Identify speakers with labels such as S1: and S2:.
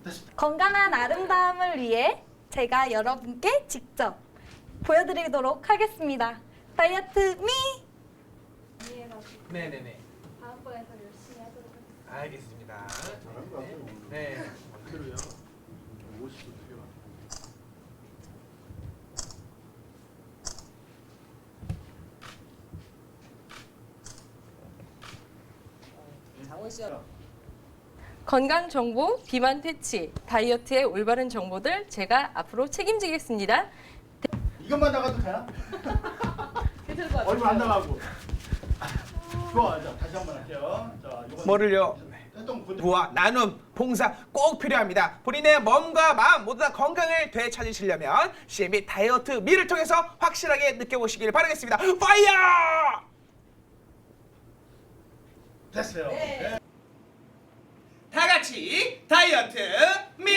S1: 건강한 아름다움을 위해 제가 여러분께 직접 보여드리도록 하겠습니다. 다이어트 미! 이해가지고
S2: 네네네.
S1: 다음번에 더 열심히 하도록 하겠습니다.
S2: 알겠습니다.
S3: 잘한 것 같아요.
S2: 네.
S3: 그대로요. 50도 되게 많아요.
S4: 건강 정보, 비만 퇴치, 다이어트의 올바른 정보들 제가 앞으로 책임지겠습니다.
S3: 이것만 나가도 되나? 얼마 안 나가고. 좋아, 자 다시 한번 할게요. 자, 이거
S2: 뭐를요? 부와 나눔, 봉사 꼭 필요합니다. 본인의 몸과 마음 모두 다 건강을 되찾으시려면 CMB 다이어트 미를 통해서 확실하게 느껴보시길 바라겠습니다. 파이어!
S3: 됐어요. 네.
S2: 다 같이 다이어트 미!